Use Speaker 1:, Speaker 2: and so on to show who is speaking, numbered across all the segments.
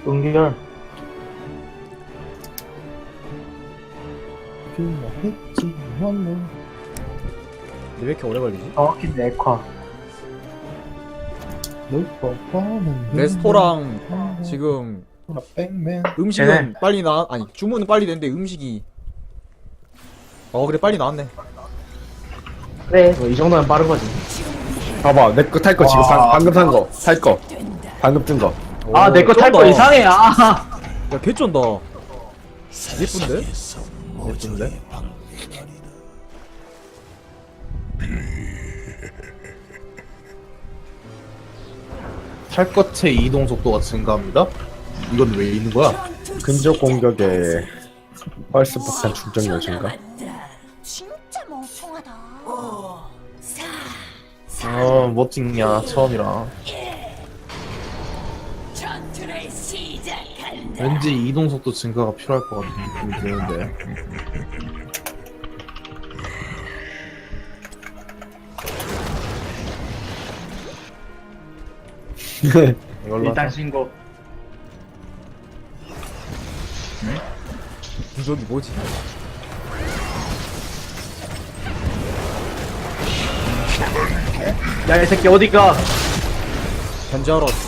Speaker 1: 응결.
Speaker 2: 근데 왜 이렇게 오래 걸리지?
Speaker 1: 정확히 네화.
Speaker 2: 레스토랑 지금 음식은
Speaker 1: 네.
Speaker 2: 빨리 아니 주문은 빨리 됐는데 음식이 그래 빨리 나왔네.
Speaker 1: 그래, 이 정도면 빠른 거지.
Speaker 3: 봐봐, 내 거 탈 거 지금
Speaker 1: 와.
Speaker 3: 방금 산 거, 살 거, 방금 뜬 거.
Speaker 1: 아, 내 거 탈 거
Speaker 2: 쩐다.
Speaker 1: 이상해. 아,
Speaker 2: 야 개쩐다. 예쁜데?
Speaker 3: 예쁜데?
Speaker 4: 탈것의 이동 속도가 증가합니다. 이건 왜 있는 거야?
Speaker 3: 근접 공격에 펄스 폭탄 충전 여신가?
Speaker 5: 진짜 멍청하다.
Speaker 4: 뭐 찍냐 처음이라.
Speaker 5: 전투를 시작한다.
Speaker 4: 왠지 이동 속도 증가가 필요할 것 같은 느낌이 드는데. 이걸로
Speaker 1: 일단
Speaker 4: 하자.
Speaker 1: 신고.
Speaker 2: 저기 뭐지?
Speaker 1: 야, 이 새끼 어디가?
Speaker 2: 견제하러 왔지.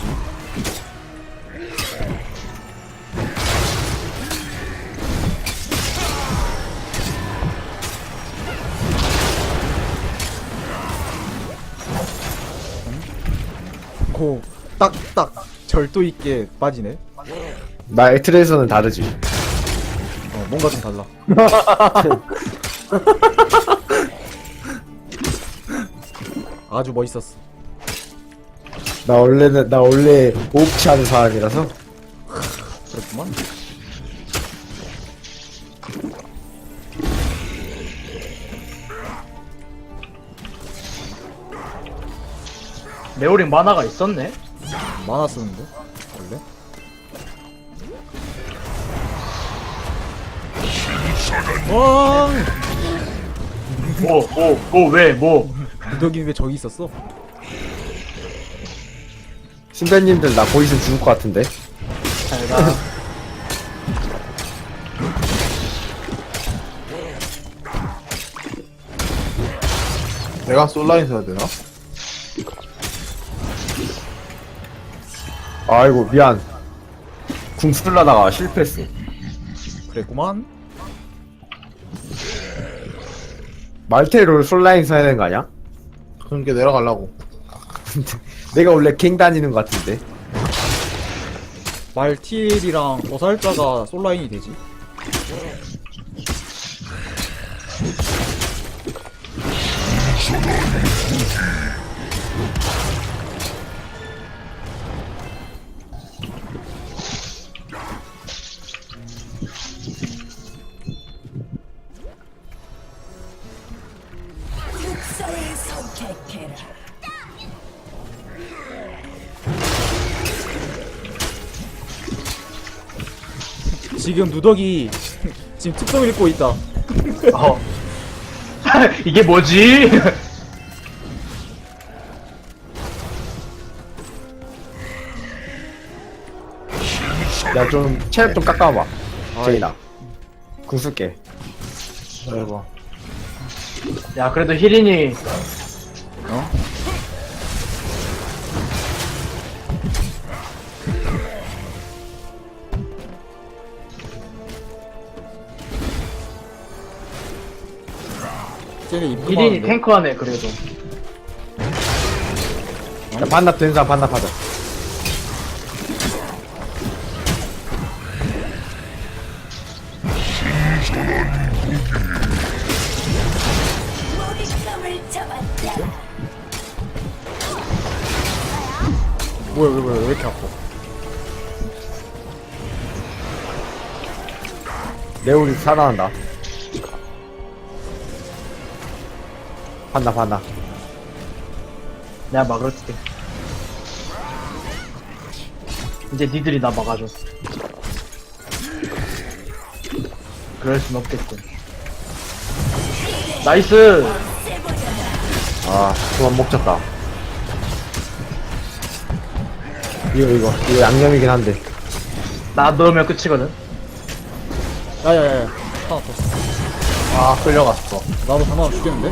Speaker 2: 고 딱딱 절도 있게 빠지네.
Speaker 3: 나 에트레에서는 다르지.
Speaker 2: 뭔가 좀 달라. 아주 멋있었어.
Speaker 3: 나 원래 오프치 하는 사람이라서.
Speaker 2: 그렇구만.
Speaker 1: 네오링 만화가 있었네?
Speaker 2: 만화 쓰는데 원래? 와,
Speaker 1: 왜, 뭐.
Speaker 2: 누더기 왜 저기 있었어?
Speaker 3: 신배님들 나 보이면 죽을 것 같은데.
Speaker 1: 잘 가.
Speaker 4: 내가 솔라인 써야 되나?
Speaker 3: 아이고 미안. 궁 쓰려다가 실패했어.
Speaker 2: 그랬구만.
Speaker 3: 말테로 솔라인 써야 되는 거 아니야?
Speaker 4: 그런 게 내려가려고.
Speaker 3: 내가 원래 갱 다니는 것 같은데.
Speaker 2: 말티엘이랑 보살자가 솔라인이 되지.
Speaker 5: 특성을 선택해라.
Speaker 2: 지금 누더기 지금 특성 읽고 있다.
Speaker 1: 어. 이게 뭐지?
Speaker 3: 야 좀 체력 좀 깎아봐. 제이나. 궁 쓸게.
Speaker 4: 해봐.
Speaker 1: 야, 그래도 히린이.
Speaker 2: 쟤네
Speaker 1: 히린이
Speaker 2: 입금하는데.
Speaker 1: 탱커하네, 그래도.
Speaker 3: 야 반납 된 사람 반납하자.
Speaker 5: 먹잇감을 잡았다.
Speaker 2: 뭐야 왜 이렇게 아파?
Speaker 3: 레오리 살아난다. 반납.
Speaker 1: 내가 막을게. 이제 니들이 나 막아줘. 그럴 순 없겠군. 나이스!
Speaker 3: 아 그만 먹혔다. 이거 양념이긴 한데.
Speaker 1: 나 넣으면 끝이거든.
Speaker 2: 야야야야 하나 더
Speaker 4: 아 끌려갔어.
Speaker 2: 나도 하나 죽겠는데?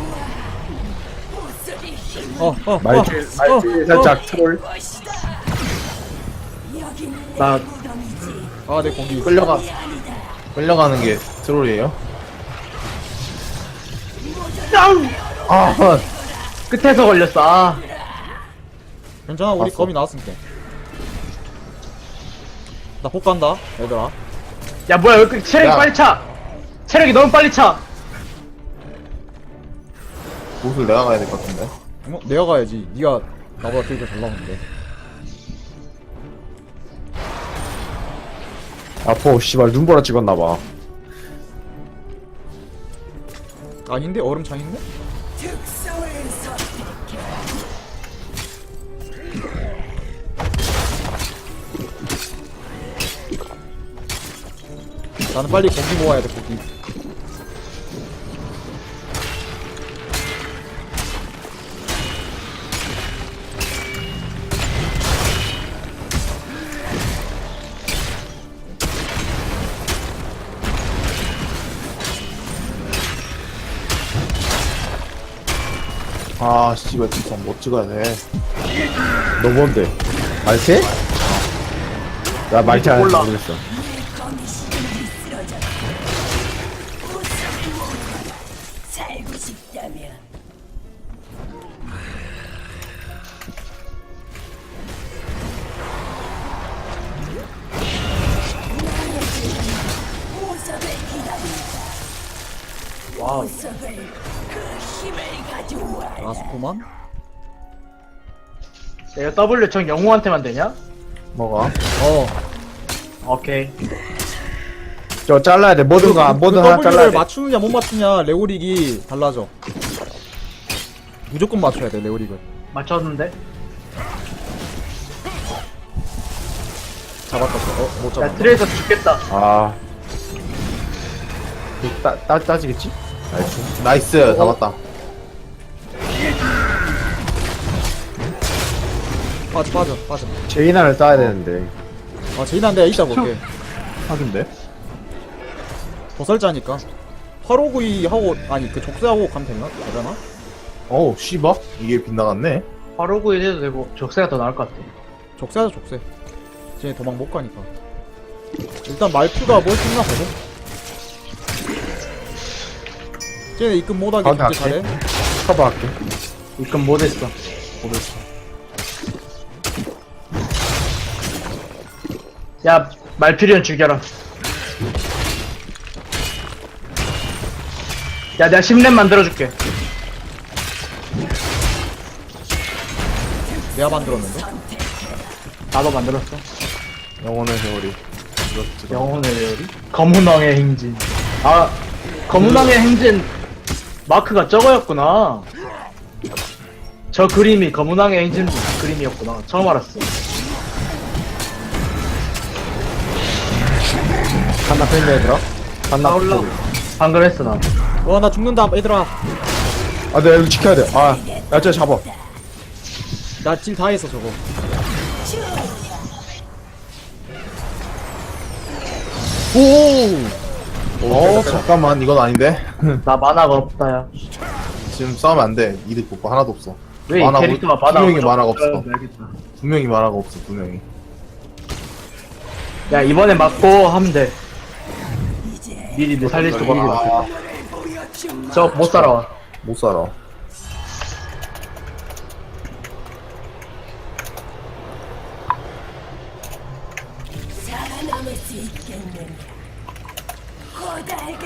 Speaker 3: 말질 살짝 트롤.
Speaker 1: 나
Speaker 2: 아내 고기
Speaker 4: 끌려가는 게 트롤이에요?
Speaker 1: 아, 끝에서 걸렸어. 아,
Speaker 2: 괜찮아 우리
Speaker 4: 봤어.
Speaker 2: 검이 나왔으니까 나 복 간다 얘들아
Speaker 1: 야 뭐야 왜 이렇게 체력이
Speaker 4: 야.
Speaker 1: 빨리 차? 체력이 너무 빨리 차.
Speaker 4: 옷을 내가 가야 될 것 같은데.
Speaker 2: 내가 가야지 니가 나보다 딜도 잘 나오는데
Speaker 3: 아퍼 씨발 눈보라 찍었나봐.
Speaker 2: 아닌데? 얼음창인데?
Speaker 5: 특성을 선택해.
Speaker 2: 나는 빨리 고기 모아야 돼 고기
Speaker 4: 아 씨발 진짜 못 찍어야 돼.
Speaker 3: 너 뭔데? 말태? 나 말태 안
Speaker 1: 몰라.
Speaker 3: 모르겠어.
Speaker 5: 거미심이 쓰러졌다. 살고 싶다면 보석을 기다린다.
Speaker 1: 와우.
Speaker 5: 보석을 그 힘을 가져와라.
Speaker 2: 아스코만?
Speaker 1: 내가 W 정 영웅한테만 되냐?
Speaker 4: 뭐가?
Speaker 1: 오케이.
Speaker 3: 저 잘라야 돼. 뭐든가 뭐든 하나 잘라야
Speaker 2: W를
Speaker 3: 돼.
Speaker 2: 맞추느냐 못 맞추냐 레오릭이 달라져 무조건 맞춰야 돼 레오릭은
Speaker 1: 맞췄는데?
Speaker 2: 잡았다 못
Speaker 1: 야
Speaker 2: 잡았다
Speaker 1: 트레이서 죽겠다.
Speaker 3: 아
Speaker 4: 따지겠지? 나이스 잡았다.
Speaker 2: 빠져
Speaker 3: 제이나를 따야 되는데.
Speaker 2: 아 제이나는 내가 이따 볼게
Speaker 4: 하긴데?
Speaker 2: 도살자니까 859 하고 아니 그 족쇄하고 가면 되나? 되려나?
Speaker 4: 어우 씨발 이게 빗나갔네.
Speaker 1: 바로 구해도 되고 적세가 더 나을 것 같아.
Speaker 2: 족쇄하자 족쇄 쟤네 도망 못 가니까 일단 말투가 뭘 생각하거든? 쟤네 입금 못하게
Speaker 3: 가운데
Speaker 2: 견제
Speaker 3: 할게.
Speaker 2: 잘해
Speaker 3: 커버할게.
Speaker 1: 입금 못했어. 야 말피리언 죽여라. 야 내가 10렙 만들어줄게.
Speaker 2: 내가 만들었는데?
Speaker 1: 나도 만들었어.
Speaker 4: 영혼의 세월이.
Speaker 1: 영혼의 레오리? 검은왕의 행진. 아 검은왕의 행진 마크가 저거였구나. 저 그림이 검은왕의 행진 그림이었구나. 처음 알았어.
Speaker 3: 한나 팬데 얘들아. 한나
Speaker 1: 나 올라. 방금 했어 나.
Speaker 2: 와 나 죽는다 얘들아
Speaker 3: 아 내가 이거 지켜야 돼. 아, 야, 저 잡아.
Speaker 2: 나 질 다 했어 저거 오
Speaker 4: 잠깐만 이건 아닌데.
Speaker 1: 나 만화가 없다야.
Speaker 4: 지금 싸우면 안 돼. 이득 볼거 하나도 없어.
Speaker 1: 왜 이
Speaker 4: 만화
Speaker 1: 캐릭터가
Speaker 4: 두
Speaker 1: 만화가
Speaker 4: 명이
Speaker 1: 없어?
Speaker 4: 만화가 없어.
Speaker 1: 알겠다.
Speaker 4: 두 명이 만화가 없어. 두 명이.
Speaker 1: 야 이번에 맞고 하면 돼. 미리 내 살릴 수가 없어.
Speaker 4: 아,
Speaker 1: 저 못 살아와.
Speaker 4: 못 살아.
Speaker 5: 살아남을 수 있겠는가? 곧 알게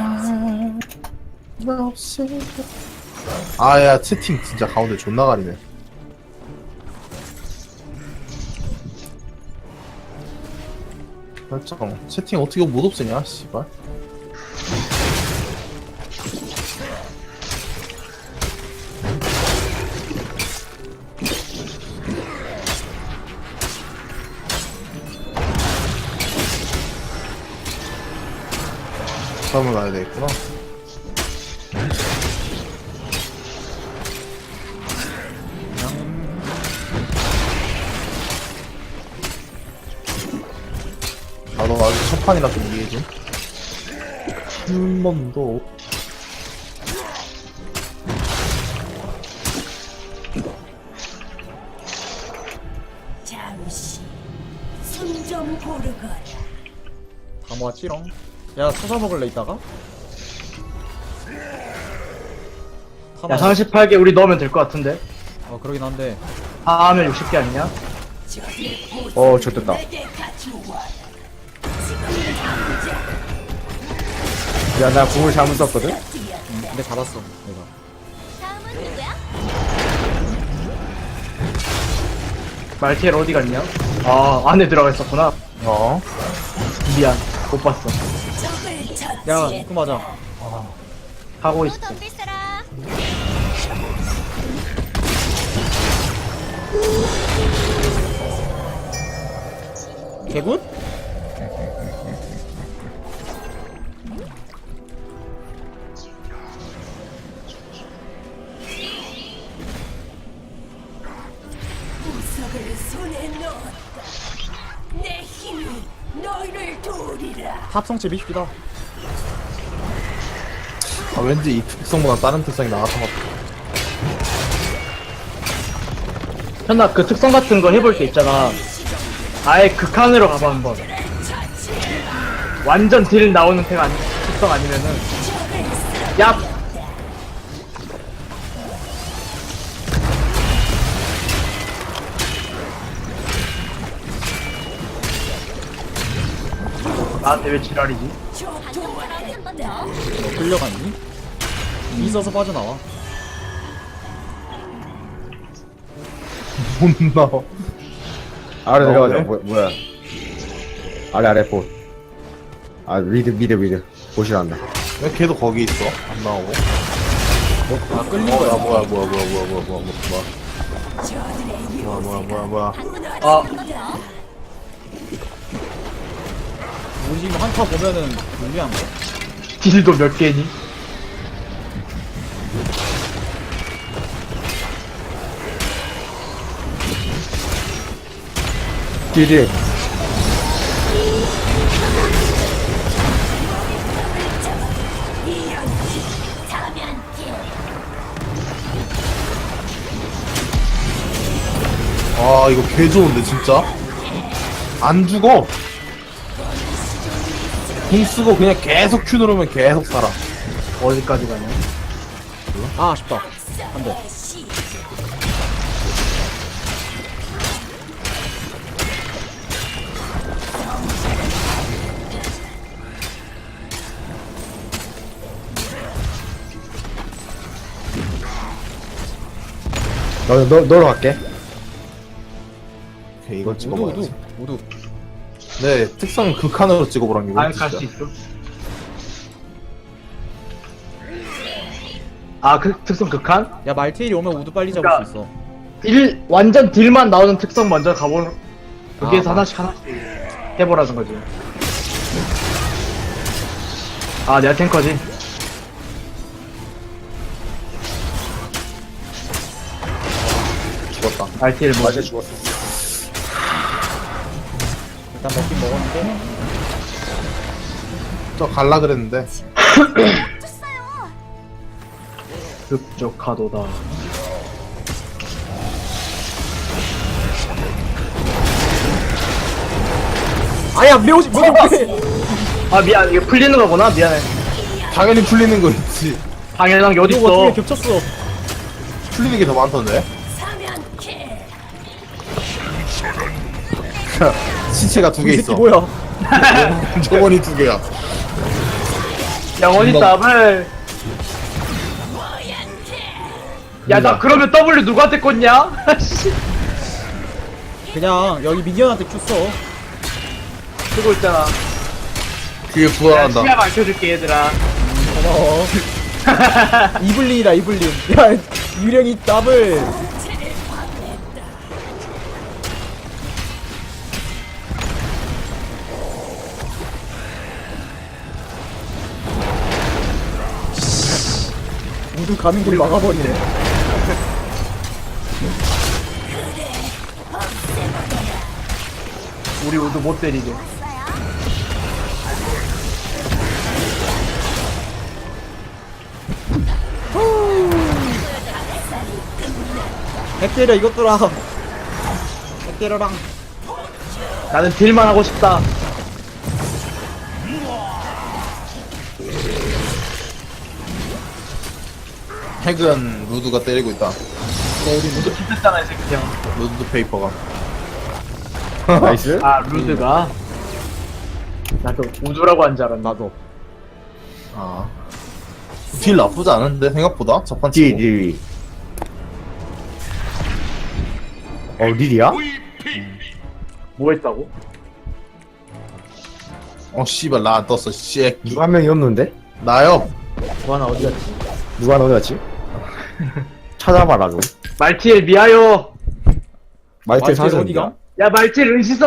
Speaker 5: 되겠지.
Speaker 4: 아야 채팅 진짜 가운데 존나 가리네. 설정 채팅 어떻게 못 없애냐 씨발. 처음을 가야 되겠구나. 나도 아직 첫 판이라 좀 이해해 좀. 한 번도.
Speaker 5: 잠시 숨 좀 고르거라.
Speaker 2: 다 모았지롱. 야 서사 먹을래 이따가?
Speaker 1: 야 38개 우리 넣으면 될 것 같은데.
Speaker 2: 그러긴 한데.
Speaker 1: 다 하면 60개 아니냐?
Speaker 3: 좋됐다.
Speaker 5: 내게 가져와라.
Speaker 3: 야, 나 궁을 잘못 썼거든?
Speaker 2: 근데 잡았어 내가.
Speaker 5: 다음은 누구야?
Speaker 1: 말티엘 어디 갔냐? 아 안에 들어가 있었구나.
Speaker 4: 어.
Speaker 1: 미안 못 봤어.
Speaker 5: 적을
Speaker 2: 야
Speaker 5: 처치해.
Speaker 2: 입구 맞아.
Speaker 1: 하고 있어.
Speaker 5: 덤빌 사람.
Speaker 2: 개굿?
Speaker 5: 우석을 손에 넣었다. 내 힘이 너희를 도우리라.
Speaker 2: 탑성체 밉시다.
Speaker 4: 아, 왠지 이 특성보다 다른 특성이 나왔던 것 같아.
Speaker 1: 현아 그 특성 같은 거 해볼 때 있잖아. 아예 극한으로 가봐 한번. 완전 딜 나오는 특성 아니면은 야 나한테 왜 지랄이지?
Speaker 5: 한번
Speaker 2: 너 끌려갔니? 있어서 빠져나와.
Speaker 4: 못 나와.
Speaker 3: 아래 내려가자.
Speaker 4: 왜?
Speaker 3: 뭐야. 아래, 봇. 아, 미드. 보시란다.
Speaker 4: 왜 걔도 거기 있어? 안 나오고.
Speaker 2: 끌린
Speaker 4: 뭐야,
Speaker 2: 거야.
Speaker 4: 뭐야.
Speaker 1: 아
Speaker 2: 우리 지금 한타 보면은 불리한 거야.
Speaker 1: 딜도 몇 개니?
Speaker 3: 딜.
Speaker 4: 아, 이거 개 좋은데, 진짜? 안 죽어! 궁 쓰고 그냥 계속 Q 누르면 계속 살아.
Speaker 1: 어디까지 가냐?
Speaker 2: 아 아쉽다. 안돼.
Speaker 3: 너로 갈게.
Speaker 4: 오케이, 이거
Speaker 2: 우두
Speaker 4: 찍어봐야지.
Speaker 2: 우두.
Speaker 4: 네, 특성 극한으로 찍어보란 게
Speaker 1: 안 갈 수 있어? 아 그 특성 극한?
Speaker 2: 야 말테일이 오면 우두 빨리 잡을
Speaker 1: 그러니까-
Speaker 2: 수 있어.
Speaker 1: 딜 완전 딜만 나오는 특성 먼저 가보는 거기에서
Speaker 2: 아,
Speaker 1: 하나씩 해보라는 거지. 아 내가 탱커지.
Speaker 4: 죽었다.
Speaker 1: RTL 뭐
Speaker 3: 맞아, 죽었어.
Speaker 2: 일단 먹긴 먹었는데.
Speaker 4: 저 갈라 그랬는데.
Speaker 1: 급적하도다.
Speaker 2: 아야 매우지 뭐
Speaker 1: 아 미안 이게 풀리는 거구나. 미안해.
Speaker 4: 당연히 풀리는 거 있지.
Speaker 1: 당연한 게
Speaker 2: 이거
Speaker 1: 어딨어.
Speaker 2: 어떻게 겹쳤어?
Speaker 4: 풀리는 게 더 많던데.
Speaker 5: 사면캐.
Speaker 4: 시체가 두 개
Speaker 2: 이 새끼
Speaker 4: 있어.
Speaker 2: 뭐야?
Speaker 4: 저번이 두 개야.
Speaker 1: 영원히 더블. 야 나 그러면 W 누구한테 꽂냐? 씨.
Speaker 2: 그냥 여기 미니언한테 큐 써.
Speaker 1: 쓰고 있잖아.
Speaker 4: 그게
Speaker 1: 내가
Speaker 4: 부활한다.
Speaker 1: 시야 밝혀줄게 얘들아.
Speaker 2: 고마워. 이블린이다 이블린. 야 유령이 더블. 모두 가는 길 막아버리네.
Speaker 1: 우리 모두 못 때리게.
Speaker 2: 핵 때려 이것들아. 핵 때려랑.
Speaker 1: 나는 딜만 하고 싶다.
Speaker 4: 핵은 루드가 때리고 있다.
Speaker 1: 모두 피했잖아 이 새끼 형.
Speaker 4: 루드 페이퍼가.
Speaker 3: 나이스.
Speaker 1: 아 루드가. 나도 우주라고 한 줄 알았나.
Speaker 2: 나도.
Speaker 4: 아. 딜 나쁘지 않은데 생각보다 첫판
Speaker 3: 디,
Speaker 4: 치고.
Speaker 3: 디. 릴이야?
Speaker 1: 뭐 했다고?
Speaker 4: 씨발 나 안 떴어 씨.
Speaker 3: 누가 한 명이 없는데?
Speaker 4: 나요.
Speaker 1: 뭐 하나 어디 갔지?
Speaker 3: 누가 어디 갔지? 찾아봐라 좀.
Speaker 1: 말티엘 미아요.
Speaker 3: 마이텔
Speaker 2: 마이텔
Speaker 3: 사서
Speaker 2: 어디가?
Speaker 1: 야 말티엘 은시서